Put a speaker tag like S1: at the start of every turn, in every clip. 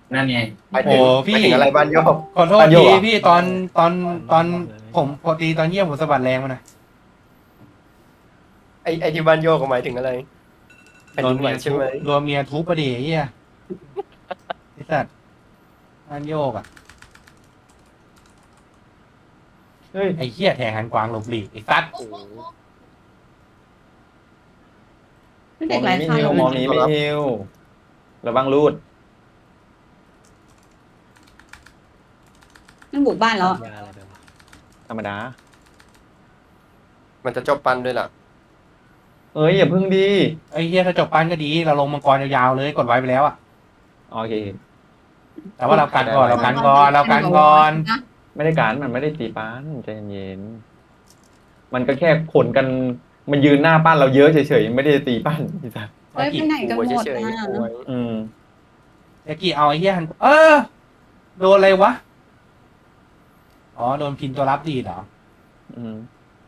S1: นั่นไง
S2: ไป
S3: โอ้
S2: ถึงไป
S3: พี่
S2: ถึงอะไรบ้านโยก
S3: ขอโทษ
S4: บ้านโยกเหรอ
S3: ทีพี่ตอนผมพอดีตอนเยี่ยมผมสะบัดแรงมาหน่อย
S2: ไอที่บ้านโยกหมายถึงอะไรแผ่น
S3: โด
S2: ดิ
S3: น
S2: นไหว
S3: เมียทุบ
S2: ใช่ไหม
S3: โดนเมียทุบประเดี๋ยวเฮียไอ้สัตว์บ้านโยกอ่ะ
S4: เฮ้ย
S3: ไอ้เฮียแทงหันกวางหลบหลีกไอ้สัตว์
S2: โอ้โห
S5: ไม่เด็กหลายคัน
S4: มองนี้ไม่ฮิวระวังรูด
S5: มันบุกบ้านแล้ว
S4: ธรรมดา
S2: มันจะจบปันด้วยล่ะ
S4: เอ้ยอย่าพึ่งดี
S3: ไอ้เฮียถ้าจบปั้นก็ดีเราลงมังกรยาวๆเลยกดไว้ไปแล้วอ่ะ
S4: โอเค
S3: แต่ว่าเรากันก่อนเรากันก่อนเรากันก่อน
S4: ไม่ได้การมันไม่ได้ตีป้านใจเย็นๆมันก็แค่ขนกันมันยืนหน้าป้านเราเยอะเฉยๆไม่ได้ตีป้านพี่สัส
S5: เฮ้ยไปไหนกัน
S2: กลัว
S5: หมด
S2: เฉย
S5: อ่ะ
S2: ๆกลัว
S4: อืม
S3: ไอ้กี่เอาไอ้เฮียหันโดนอะไรวะอ๋อโดนพินตัวรับดีดเหรอ
S4: อืม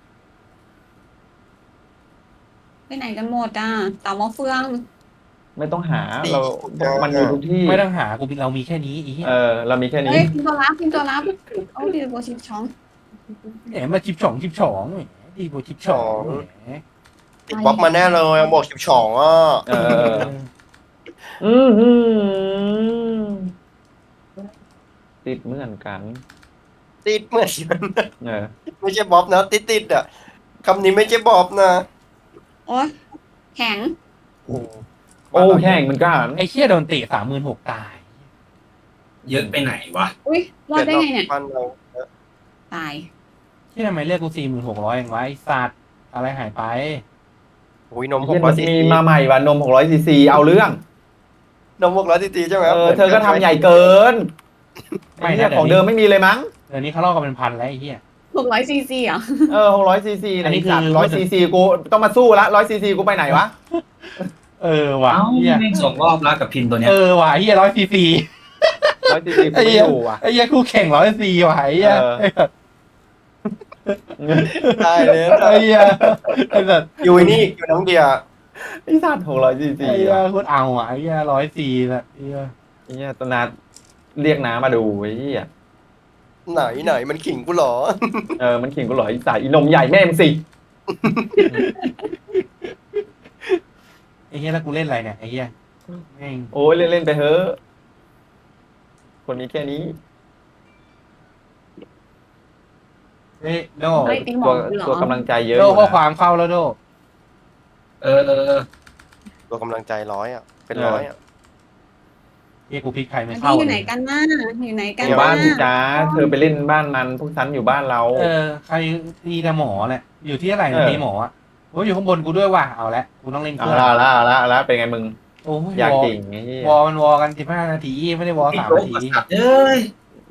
S5: ไปไหนกันหมดอ่ะเต่ามะเฟือง
S4: ไม่ต้องหาเรามันมีทุกที่
S3: ไม่ต้องหากูเรามีแค่นี้ไอ้เหี้ย
S4: เรามีแค่นี้
S5: เฮ้ยพิมพ์ตัวรับพิมพ์ตัวรับเอาดีโบชิบช้อง
S3: แหมมาจิบฉองแหมดีโบจิบฉองแหม
S2: ติดบล็อกมาแน่เลยบอก12อ่ะ
S4: เอออืมอืมติดเหมือนกัน
S2: ติดเหมือนกัน
S4: เออ
S2: ไม่ใช่บ๊อบนะติดอ่ะคำนี้ไม่ใช่บ๊อบนะ
S5: โอ๊ยแข็ง
S4: โอ้แข่งเหมือนกัน
S3: ไอ้เหี้ยโดนเตะ36,000ตาย
S1: เยอะไปไหนวะ
S5: อุ้ยรอดได้ไงเนี่ย
S2: บ้านเรา
S5: ตาย
S3: ที่ทำไมเรียกกู46,000เองวะไอ้สัตว์อะไรหายไป
S2: อุ้ยนม
S4: เหี้ย
S2: 600ซี
S4: มี
S2: ซี
S4: มาใหม่ว่ะนม600ซีซีเอาเรื่อง
S2: นม600ซีซีใช่ไหมครับ
S4: เธอก็ทำใหญ่เกิน
S3: ไม่
S4: ไอ้
S3: นะ
S4: เนี่ยของเดิมไม่มีเลยมั้ง
S3: เดี๋ยวนี้เขาลอกกันเป็นพันแล้วไอ้เหี้ย
S5: 600 ซีซีเหรอ
S4: 600ซีซี
S3: อันนี้คือ
S4: 100ซีซีกูต้องมาสู้ละ100ซีซีกูไปไหนวะ
S3: ว่ะ
S1: เอ้า
S3: เหี้ย
S1: แม่งสองรอบแล้วกับพินตัวเนี้ย
S3: ว่ะไอ้เหี้ย100cc
S4: 100ซีซีกูไม่อยู่ว่ะ
S3: ไอ้เหี้ยคู่แข่ง100cc ว่ะไอ้เหี้ย
S2: ได้เลย
S3: ไอ้เหี้ยไอ้สัตว์
S2: อยู่นี่อยู่น้องเดีย
S4: ไอ้สัตว์600ซีซี
S3: ไอ้เหี้ยโคตรเอาอ่ะไอ้เหี้ย100cc แบบไอ้เหี้ย
S4: ไอ้เนี่ยตนาเรียกน้ามาดูไอ้เหี้ย
S2: ไหนมันขิงกูเหรอ
S4: มันขิงกูเหรอไอ้สายอีนมใหญ่แม่มึงสิ
S3: ไอ้เหี้ยแล้วกูเล่นอะไรเนี่ยไอ้เหี้ยแม่ง
S4: โอ้ยเล่นๆไปเถอะคนมีแค่นี้
S3: เฮ้ยโด
S5: เฮ้ยตีหม
S4: ตั
S5: อ
S4: ว
S5: เหรอ
S4: ตัวกำลังใจเยอะ
S3: โด
S4: อยู่
S3: ข้อ
S4: นะ
S3: ความเข้าแล้วโด
S1: เออ
S2: ตัวกำลังใจ100อ่ะเป็น100อ่ะ
S3: เฮียกูพลิกใครไม่
S5: อัน
S3: เข้า
S5: นี้อยู่ไหนกันน่ะอยู่ไหนกัน
S4: อยู่บ้าน
S5: น่ะ
S4: พี่จ้าเธอไปเล่นบ้านมันพวกฉันอยู่บ้านเรา
S3: ใครดีแต่หมอแหละอยู่ที่อะไร
S4: เออ
S3: มีหมออ่ะโอ้ยอยู่ข้างบนกูด้วยว่ะเอาละกูต้องเล่นเค
S4: เอา
S3: รื่อง
S4: ละเป็นไงมึง
S3: โอ้ย
S4: อยาก
S3: วอ
S4: จริงไอ้เหี้ยว
S3: อมันวอกัน15 นาทีไม่ได้วอ
S1: ไอ้
S3: 3
S1: โจ๊ก
S3: นาที
S1: สัตว์เอ้ย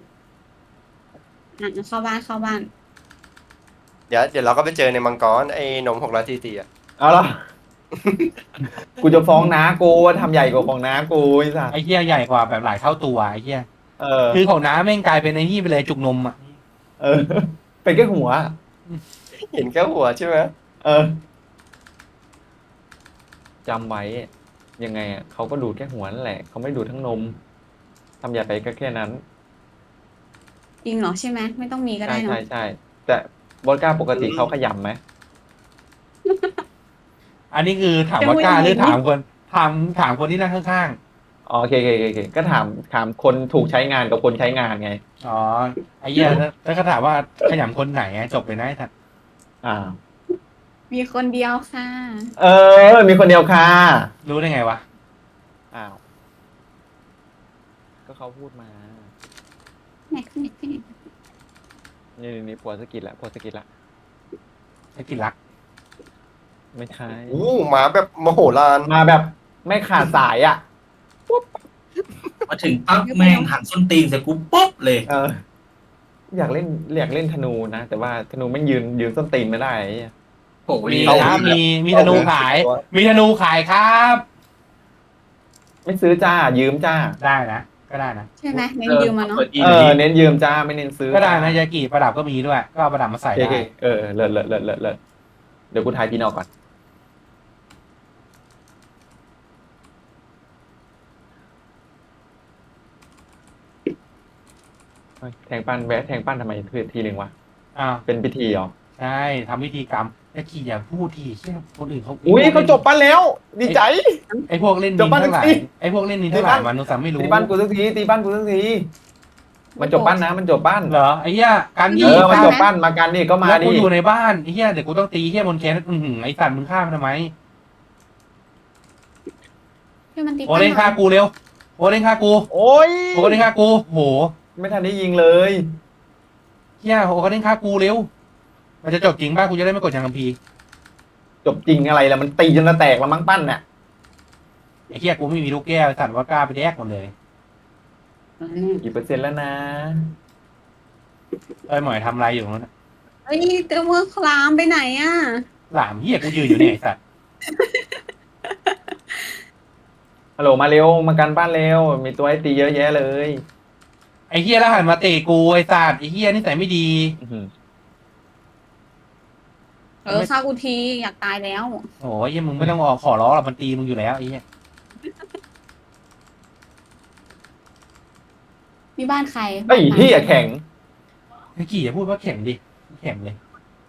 S5: อ่ะเข้าบ้านเข้าบ้าน
S2: เดี๋ยวเราก็ไปเจอในมังกรไอ้นม600ซีซีอ่ะ
S4: เอาละ กูจะฟ้องน้ากูว่าทำใหญ่กว่าของน้ากูไอ้สัส
S3: ไอ้เหี้ยใหญ่กว่าแบบหลายเท่าตัวไอ้เหี้ย
S4: เออ
S3: คือของน้าแม่งกลายเป็นไอ้นี่ไปเลยจุกนมอ่ะ
S4: เออ เป็นแค่หัว
S2: เห็นแค่หัวใช่ไหม
S4: เออจำไว้ยังไงอ่ะเขาก็ดูดแค่หัวนั่นแหละเขาไม่ดูดทั้งนมทำใหญ่ไปก็แค่นั้น
S5: จริงเหรอใช่ไหมไม่ต้องมีก็
S4: ใช่
S5: ได้เนาะ
S4: ใช่แต่วอดก้าปกติเขาขยำไหม
S3: อันนี้คือถามว่ากล้าหรือถามคนที่นั่งข้าง
S4: อ๋อโอเคก็ถามคนถูกใช้งานกับคนใช้งานไง
S3: ๆอ๋อไอ้เหี้ยแล้วก็ถามว่าขยำคนไหนจบไปได้ทัน
S4: อ่า
S5: มีคนเดียวค่ะ
S4: มีคนเดียวค่ะ
S3: รู้ได้ไงวะ
S4: อ้าว ก็เขาพูดมา
S5: ไหนขึ้นไหนขึ้นไหน
S4: นี่ผัวสะกิดละ
S3: ไอ้กินรัก
S4: ไม่ใช่
S2: หมาแบบมโหฬาร
S4: มาแบบไม่ขาดสายอ่ะ
S1: มาถึงปั๊บแม่งหันส้นตีนใส่กูปุ๊บเลย
S4: เออ อยากเล่นธนูนะ แต่ว่าธนูไม่ยืนส้นตีนไม่ได้ไอ้เหี้ย
S1: โอ้โห
S3: มี
S1: เรา
S3: นะมีธนูขาย มีธนูขายครับ
S4: ไม่ซื้อจ้า ยืมจ้า
S3: ได้นะก็ได้นะ
S5: ใช่ไหมเน้นยืมมาเนาะ
S1: ปิดอีหน่อยดิ
S4: เน้นยืมจ้าไม่เน้นซื้อ
S3: ก็ได้นะยากิประดับก็มีด้วย ก็เอาประดับมาใส่
S4: โอเค
S3: ได้
S4: เลิศเดี๋ยวกูทายพี่นอกก่อนแทงปั้นแวะแทงปั้นทำไมคือทีหนึ่งวะ
S3: อ้าว
S4: เป็นพิธีเหรอ
S3: ใช่ทำพิธีกรรมแจ็คกี้อย่าพูดทีเชี่ยคนอื่นเขา
S4: อุ้ยเขาจบปั้นแล้ว ดีใจ
S3: ไอ้พวกเล่น
S4: จ
S3: นิ
S4: บ
S3: น
S4: บ้าน
S3: ทั้งหลาย
S4: สิ
S3: ไอ้พวกเล่นนินทั้งหลายมันนุสัมไม่รู้
S4: ตีบ้านกูสักทีตีบ้านกูสักทีมันจบปั้นนะมันจบปั้น
S3: เหรอไอ้เหี้ยการ
S4: เอ
S3: ยี่
S4: อมัน
S3: ตา
S4: จบปั้นมากันนี่ก็มา
S3: แล้ว
S4: ดิ
S3: กูอยู่ในบ้านไอ้เหี้ยเดี๋ยวกูต้องตีเหี้ยบนแคนไอ้สัตว์มึงฆ่ามันทำไม
S5: ให้มันตี
S3: โอเล่นฆ่ากูเร็วโอเล่นฆ่ากู
S4: โอ้ย
S3: โอเล่นฆ่ากูโห
S4: ไม่ทันได้ยิงเลย
S3: เหี้ยโอเล่นฆ่ากูเร็วมันจะจบจริงป่ะกูจะได้ไม่กดชังคัมภีร์
S4: จบจริงอะไรล่ะมันตีจนจะแตกแล้วมั้งปั้นน่ะ
S3: ไอ้เหี้ยกูไม่มีลูกแก้วไอ้สัตว์ว่ากล้าไปแดกหมดเลย
S4: กี่เปอร์เซ็นต์แล้วนะ
S3: ไอ้หมอยทำอะไรอยู่ตรงนั้นน่ะ
S5: เฮ้ยเจ้าเมื่อคลามไปไหนอ่ะ
S3: หลามเหี้ยกูยืนอยู่เนี่ยไอ้สัตว์
S4: ฮัลโหลมาเร็วมากันบ้านเร็วมีตัวให้ตีเยอะแยะเลย
S3: ไอ้เหี้ยแล้วหันมาเตะกูไอ้สัตว์ไอ้เหี้ยนิสัยไม่ดี
S4: อื้อหือ
S5: ฆ่ากูทีอยากตายแล้ว
S3: โอ้ยเหี้ยมึงไม่ต้องออกขอร้องหรอกมันตีมึงอยู่แล้วไอ้เหี้ย
S5: มีบ้านใคร
S4: ไอ้เหี้ยแข็ง
S3: ไอ้กี่อย่าพูดว่าแข็งดิแข็งเลย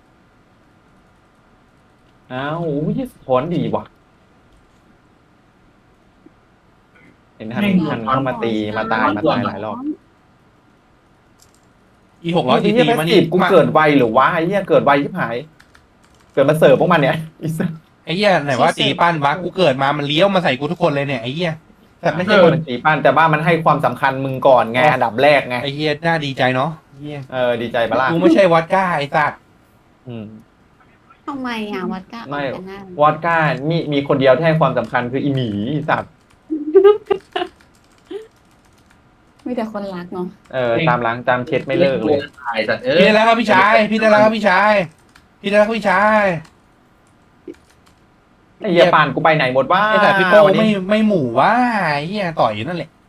S4: อ้าวโอ้ยถอนดีว่ะเห็นทันเข้ามาตีมาตายหลายรอบ
S3: อี600
S4: ไอ้
S3: ที
S4: เหี้ยแพส
S3: มัน
S4: ซีฟกูเกิดไวหรือวะไอ้เหี้ยเกิดไวชิบหาย เกิดมาเสิร์ฟพวกมันเนี่ยไอ้สัส
S3: ไอ้เหี้ยไหนว่าตีปั้นวะกูเกิดมามันเลี้ยวมาใส่กูทุกคนเลยเนี่ยไอ้เหี้ยแต่ไม่ใช่คน
S4: มันตีปั้นแต่ว่ามันให้ความสำคัญมึงก่อนไงอันดับแรกไง
S3: ไอ้เหี้ยน่าดีใจเนาะเหี้ย
S4: ดีใจปะล่ะ
S3: กูไม่ใช่วัดก้าไอ้สัตว์
S4: อืม
S5: ทำไมอ่ะวัดก้า
S4: ไม่
S5: กันหน้าว
S4: อดก้ามีคนเดียวที่ให้ความสำคัญคืออีหมีไอ้สัตว์
S5: มีแต่คนรักเนาะ
S4: ตามล้างตามเช็ดไม่เลิกเลย
S1: ตายสัตว์
S3: พี่ได้แล้วครับพี่ชายพี่ได้แล้วครับพี่ชายพี่ได้แล้วครับพี่ชาย
S4: ไอ้เหี้ยป่านกูไปไหนหมดว่า
S3: ไอ้สัตว์พี่โป้
S4: วันนี้
S3: ไม่หมู่ว่าไอ้เหี้ยต่อยอยู่นั่นแหละ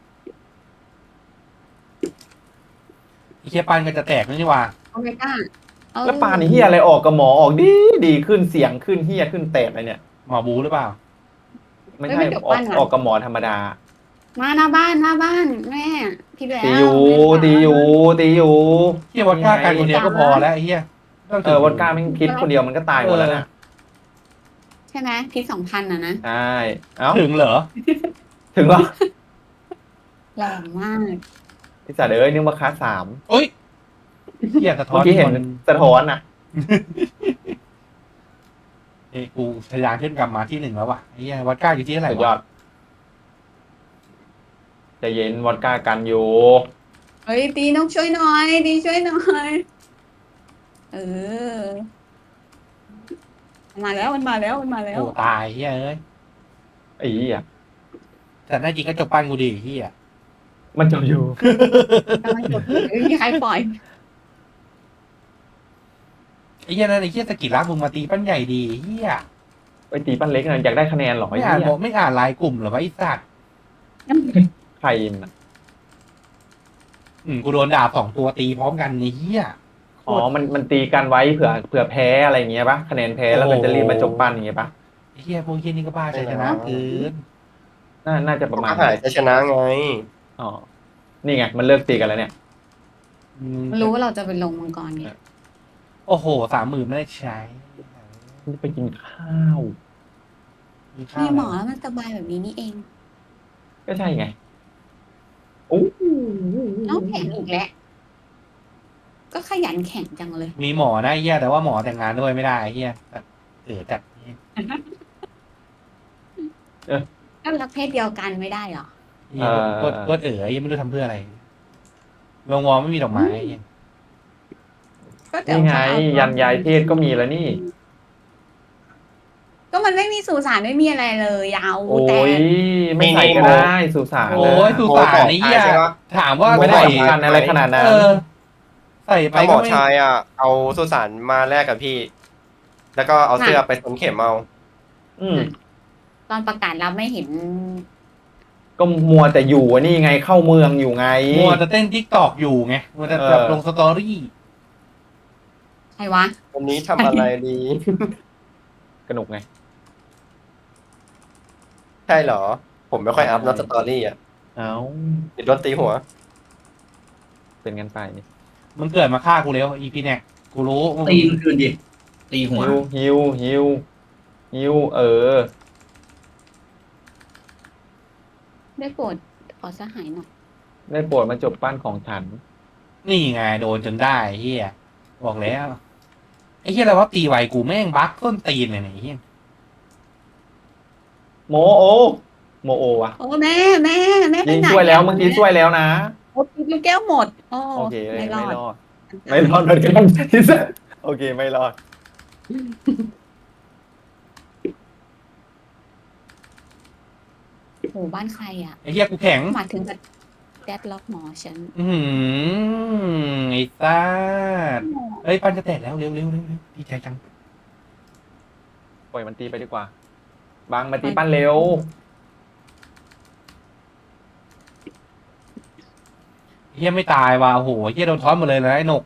S3: ไอ้เหี้ยปั้นก็จะแตกนี่หว่า
S5: โอเมก้า
S4: แล้วป่านไอ้เหี้ยอะไรออกกับหมอออกดีขึ้นเสียงขึ้นเหี้ยขึ้นแตกอะไรเนี่ย
S3: หมอบูหรือเปล่า
S4: ไม่ใช่ออกกับหมอธรรมดา
S5: มาหน้าบ้านแม่พี่แล้ว
S4: ตีอยู่
S3: เหี้ยวัดก้ากันคนเดียวก็พอแล้วไอ้เหี้ยต้องถึง
S4: วอดก้ามันคิดคนเดียวมันก็ตายหมดแล้วนะ
S5: ใช่ไหมพิษ2,000อ่ะนะ
S4: ใช่เอ้า
S3: ถึงเหรอ
S4: ถึงเหรอ
S5: แรงมาก
S4: ไอ้สัตว์เอ้ยนึกว่าคลาส3
S3: เอ้ยเหี้ยสะท้อ
S4: เมื่
S3: น
S4: อกี้เห็นสะท้อนนะ
S3: เอ้ยกูทะยานขึ้นกลับมาที่1แล้วว่ะไอ้เหี้ยวัดก้าอยู่ที่เท่าไหร่
S4: สุดยอ
S3: วะ
S4: ดใจเย็นวอดก้ากันอยู่
S5: เฮ้ยตีน้องช่วยหน่อยตีช่วยหน่อยมาแล้วมันมาแล้ว
S3: โอ้ตายเหี้ยเอ้ย
S4: ไอ้เหี้ย
S3: แต่น่าจริงก็จบปั้นกูดีเหี้ย
S4: มันจบอยู่
S5: กำลังกดไม่มีใครปล่อย
S3: ไอ้เหี้ยนั่นไอ้เหี้ยสะกิดรักมึงมาตีปั้นใหญ่ดีเหี้ย
S4: ไปตีปั้นเล็กนะอยากได้คะแนนเหรอไอ้
S3: ไม่อ่าน
S4: เหี้ย
S3: บอกไม่อ่านไลน์กลุ่มเหรอวะไอ้สัตว์
S4: ใครมันอะ
S3: กูโดนด่า2 ตัวตีพร้อมกันไอ้เหี้ย
S4: อ๋อมันตีกันไว้เผื่อแพ้อะไรอย่างเงี้ยปะคะแนนแพ้แล้วมันจะรีบมาจบปั้นอย่างเงี้ยปะ
S3: ไอ้เหี้ยพวกเหี้ยนี่ก็บ้าใจชนะเกิน
S4: น่าจะประมาณ
S2: หายจะชนะไง
S4: อ๋อนี่ไงมันเลิกตีกันแล้วเนี่ย
S5: มันรู้ว่าเราจะไปลงมังกรไง
S3: โอ้โห30,000ไม่ได้ใช้
S4: มันจะไปกินข้าว
S3: มีข้า
S5: มี
S3: ว
S5: หมอแล้วมันสบายแบบนี้นี่เอง
S4: ก็ใช่ไงโอ้
S5: น้องแข่งอีกแล้วก็ขยันแข่งจังเลย
S3: มีหมอนะไอ้เหี้ยแต่ว่าหมอแต่งงานด้วยไม่ได้ไอ้เหี้ยจัด
S5: ก็รักเพศเดียวกันไม่ได้หรอ
S3: เหี้ยกดยังไม่รู้ทำเพื่ออะไรวงไม่มีดอกไม้ไอ้เหี้ย
S5: ก็เดี๋ยว
S4: นี่ไง
S5: เขาเอา
S4: ยันยายเพศก็มีแล้วนี่
S5: ก็มันไม่มีสุสานไม่มีอะไรเลยยาว
S4: โอ้
S5: แต่
S4: ยไม่ใส่ก็ได้สุสาน
S3: โอ้ยสุสานไอ้เหี้ย
S2: ใช่ปะ
S3: ถามว่า
S4: ไม่ได้
S3: ใส่
S4: สำคัญอะไรขนาดนั้น
S3: ใส่ไป
S2: ถ้าหม
S3: ก็
S2: อ
S3: ไม่
S2: ชายอ่ะ เอาสุสานมาแลกกับพี่ แล้วก็เอาเสื้อไปสวมเข็มเอา
S4: อืม
S5: ตอนประกาศเราไม่เห็น
S4: ก็มัวแต่อยู่อะนี่ไงเข้าเมืองอยู่ไง
S3: มัวจะเต้นทิกตอกอยู่ไงมัวจะแบบลงสตอรี่
S5: ใครวะ
S2: วันนี้ทำอะไรดี
S4: กระหนุกไง
S2: ใช่เหรอ ผมไม่ค่อยอัพนอตสตอรี่อ่ะ
S4: เอ้า
S2: ติดโดนตีหัว
S4: ไปเป็นกันไป
S3: มึงเกิดมาฆ่ากูแล้วอีพีเนี่ยกูรู้
S1: ตีมันคืนดิตีหัว
S4: ฮิว
S5: ได้โปรดขอสหายหน่อย
S4: ได้โปรดมาจบปั้นของฉัน
S3: นี่ไงโดนจนได้เฮียบอกแล้วไอ้เฮียอะไรวะตีไวกูแม่งบั๊กต้นตีนเลยเนี่ยไอ้เฮีย
S4: โมโอวะ
S5: โอ้แม่ไป
S4: ยิง
S5: ไหน
S4: ช่วยแล้วเมื่อกี้ช่วยแล้วนะ
S5: โอ้ลูกแก้วหมดโอ้
S4: โอเค
S5: ไม่รอด
S4: ไม่รอดเหมือนกันที่สุดโอเคไม่รอด
S5: โอ้บ้านใครอ่ะ
S3: ไอ้เฮียกูแข็ง
S5: มาถึงกับแดดล็อกหมอฉัน
S3: ไอ้ซ่าเอ้ยปันจะแตกแล้วเร็วดีใจจัง
S4: ปล่อยมันตีไปดีกว่า บางมาตีปั้นเร็ว
S3: เฮียไม่ตายว่ะโอ้โหเฮียโดนท้อนหมดเลยนะไอ้หนก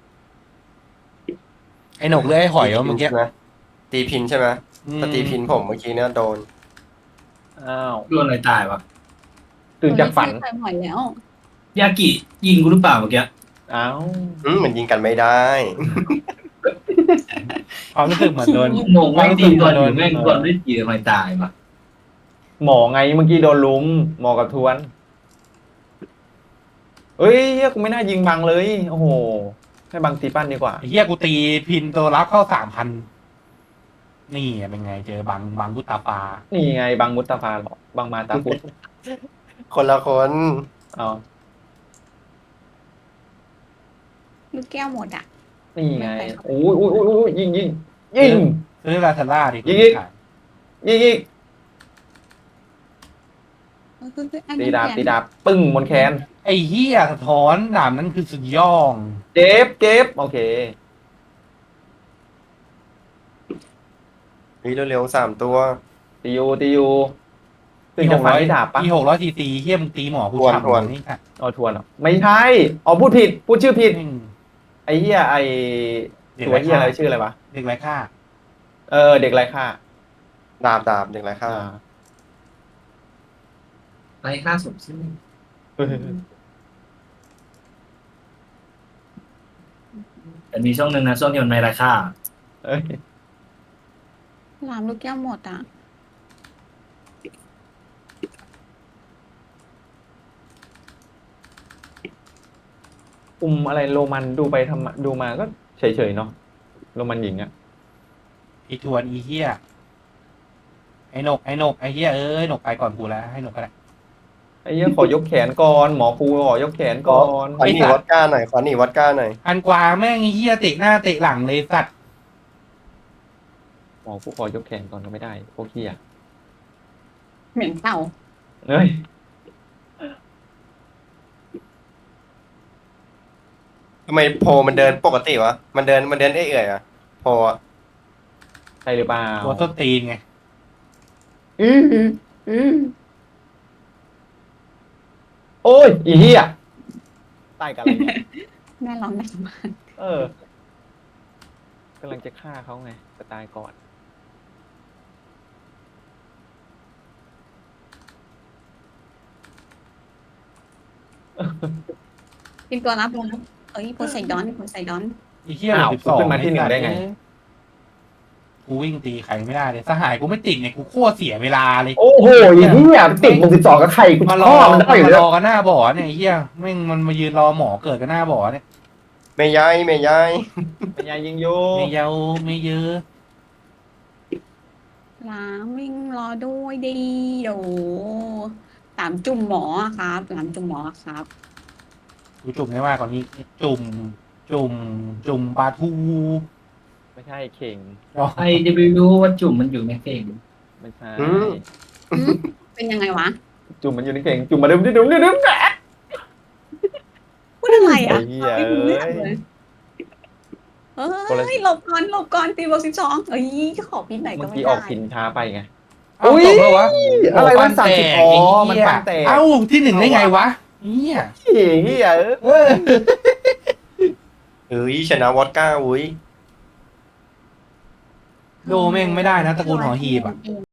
S3: หรือไอ้หอยวะเมื่อกี้
S2: ตีพินใช่ไหมถ้าตีพินผมเมื่อกี้เนี่ยโดน
S4: อ้าว
S1: โดนอะไรตายวะ
S4: ตื่นจากฝัน
S5: ใครหอยแล้ว
S1: ยากิยิงกูหรือเปล่าเมื่อกี้
S4: อ้าว
S2: มันยิงกันไม่ได้
S3: ความรู้สึกเหมือนโดน
S1: งงไม่ตีก่อนอยู่แม่งก่อนไม่ตีทำไมตายวะ
S4: หมอไงเมื่อกี้โดนลุมหมอกับทวนเฮ้ยเฮียกูไม่น่ายิงบังเลย โอ้โห ให้บังตีปั้นดีกว่า
S3: ไอ้เฮียกูตีพินตัวรับเข้า3,000นี่เป็นไงเจอบังบุตตาปา
S4: นี่ไงบังมุตตาฟาหรอบังมาตาพุทธ
S2: คนละคน
S4: เอา
S5: ลูกแก้วหมดอ่ะ
S4: นี่ไงอุ้ยยิง
S3: ซื้อลาซาร่าดิ
S4: ยิง ตีดาบปึ้งบนแขน
S3: ไอ้เฮียสะท้อนดาบนั้นคือสุดยอด
S4: เจ็บโอเค
S2: เร็วๆ3 ตัว
S4: ตีอยู่ตื่นจากฝันที่ดาบปะ
S3: ที่600 cc เฮียมึงตีหมอกู
S2: ทวน
S3: นี่ค่ะ
S4: เอาทวนเหรอไม่ใช่อ๋อพูดผิดพูดชื่อผิดไอ้เหี้ยไอ้ตัวเหี้ยอะไรชื่ออะไรวะ
S3: เด็กไร้ค่า
S4: เด็กไรค่า
S2: ดาบเด็กไรข้า
S1: ไรค่าสมชื่อแต่มีช่วงหนึ่งนะช่วงที่มันไม่ราคา
S4: เอ้ย
S5: ลามลูกแก้วหมดอ่ะ
S4: อะไรโรมันดูมาก็เฉยๆเนาะโรมันหญิงอะ
S3: อีทวนอีเฮียไอ้นกไอ้เฮียนกไปก่อนกูแล้วให้นกก็ได้
S4: ไอ้เหี้ยขอยกแขนก่อนหมอครูขอยกแขนก่อน
S2: ขอหนีวัดก้าหน่อย
S3: อันกวางแม่งไอ้เฮียเตะหน้าเตะหลังเลยสัตว์
S4: หมอครูขอยกแขนก่อนก็ไม่ได้พวกเหี้ย
S5: เหม็นเต่า
S4: เอ้ย
S2: ทำไมโพมันเดินปกติวะมันเดินเอื่อยๆอะโพอะ
S4: ใช่หรือเปล่า
S3: ตัวต้นตีนไง
S5: อืม
S4: โอ้ยอีเหี้ยตายกันอะไรเนี่ย
S5: แม่ร้องดังมาก
S4: กำลังจะฆ่าเขาไงจะตายก่อน
S5: เป็นตัวรับลงเอ้ยโพไซดอน
S3: ไอ้เฮีย
S4: อ้าว
S3: 12
S4: ขึ้นมาที่ 1ได้ไง
S3: กูวิ่งตีใครไม่ได้เลยสหายกูไม่ติดเนี่ยกูโคตรเสียเวลาเลย
S4: โอ้โหอีเหี้ยติด12กับใครกู
S3: มา
S4: ช
S3: รอ
S4: อบมันได้อยู่
S3: มา
S4: แล้
S3: ร
S4: ว
S3: อกันหน้าบ่อเนี่ยไอ้เฮียแม่งมันมายืนรอหมอเกิดกันหน้าบ่อเนี่ย
S2: ไม่ย้าย
S4: เป็นยายยิงโย
S3: ไม่เยาไม่เยอะ
S5: ล้างวิ่งรอด้วยดีโอ้ตามจุ่มหมอครับตามจุ่มหมอครับ
S3: กูจุ่มได้มากกว่านี้จุ่มปลาทู
S4: ไม่ใช่เข่ง
S1: ไอจะไปรู้ว่าจุ่มมันอยู่ในเข่ง
S4: ไม่ใช่
S5: เป็นยังไงวะ
S4: จุ่มมันอยู่ในเข่งจุ่มมาดึมแหะ
S5: พูดอะไรอ่ะ
S4: ไอ้เหี้ย
S5: ไม่รู้เรื่องเลยเอ้ยหลบก่อนตีบวก12เอ้ยขอพินไหนก็
S4: เมื่อ
S5: ไม่
S4: กี้
S5: ได้
S4: ออกพินช้าไปไง
S3: เอ้า
S4: อุ๊ย
S3: จบแล้ววะ
S4: อะไรวะ
S3: โปั้นแตก
S4: 30อ๋อ
S3: ไอ้
S4: มัน
S3: เหี้ย
S4: ปั้นแตก
S3: เอ้าที่1ได้ไงวะเนี่ย
S4: เหี้ย
S2: ชนะวอดก้าอุ้ย
S3: โดแม่งไม่ได้นะตระกูลหอหีบอ่ะ